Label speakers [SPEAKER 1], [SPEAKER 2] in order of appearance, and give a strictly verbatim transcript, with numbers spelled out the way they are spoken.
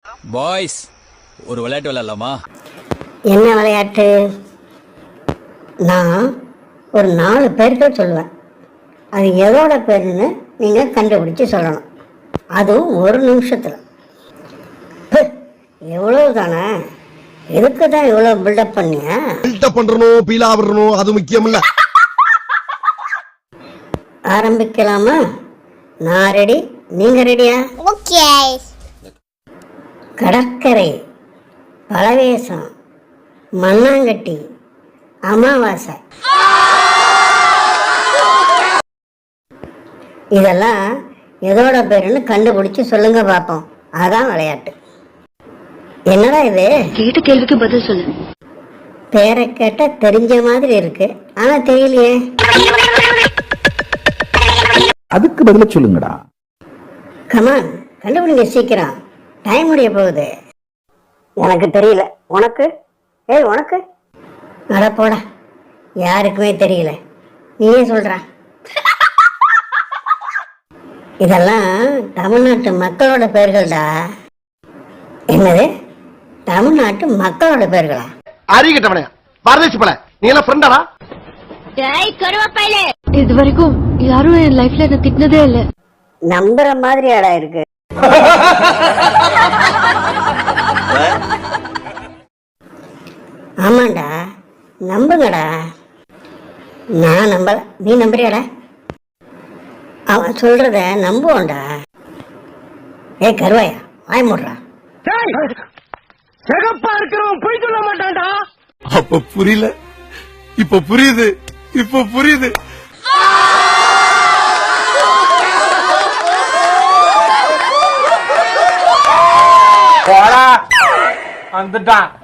[SPEAKER 1] Boys ஒரு விளையாட்டு விளையாடலாமா?
[SPEAKER 2] என்ன விளையாட்டு? நான் ஒரு நாலு பேர்கள் சொல்லுவேன். அது எதோட பேருன்னு நீங்கள் கண்டுபிடிச்சி சொல்லணும். அதுவும் ஒரு நிமிஷத்தில். எவ்வளவு தானே? எதுக்கு தான் இவ்வளோ பில்டப் பண்ணிய?
[SPEAKER 3] பில்டப் பண்ணுறணும், பீலா விடணும், அது முக்கியம் இல்லை.
[SPEAKER 2] ஆரம்பிக்கலாமா? நான் ரெடி, நீங்க ரெடியா?
[SPEAKER 4] ஓகே.
[SPEAKER 2] கடற்கரை, பலவேசம், மண்ணாங்கட்டி, அமாவாசை, இதெல்லாம் எதோட பேருன்னு கண்டுபிடிச்சு சொல்லுங்க பாப்போம். அதான் விளையாட்டு. என்னடா இது?
[SPEAKER 5] கேட்ட கேள்விக்கு பதில் சொல்லு.
[SPEAKER 2] பேரை கேட்ட தெரிஞ்ச மாதிரி இருக்கு, ஆனா தெரியலையே.
[SPEAKER 6] அதுக்கு பதில சொல்லுங்கடா.
[SPEAKER 2] கமான், கண்டுபிடிங்க சீக்கிரம், டைம் முடிய போகுது. எனக்கு தெரியல, உனக்கு? ஏய் உனக்கு? அட போட, யாருக்குமே தெரியல, நீயே சொல்ற. இதெல்லாம் தமிழ்நாட்டு மக்களோட பெயர்கள்டா. என்னது? தமிழ்நாட்டு மக்களோட பெயர்களா?
[SPEAKER 3] அறிகிட்டவனே, பரதேசி பல, நீ எல்லாம் ஃப்ரெண்டாடா?
[SPEAKER 5] இது வரைக்கும் யாரும் என் லைஃப்ல என்ன திட்டினதே இல்ல.
[SPEAKER 2] நம்புற மாதிரி ஆடா இருக்கு. ஆமாண்டா, நம்புங்கடா. நான் நம்பல, நீ நம்புறியாடா? அவன் சொல்றத நம்புவோண்டா. ஏ கருவாயா, வாய் மூடுறா.
[SPEAKER 3] சிகப்பா இருக்கிறவன் போய் சொல்ல மாட்டான்டா. அப்ப புரியல, இப்ப புரியுது, இப்ப புரியுது.
[SPEAKER 7] வந்துட்டான்.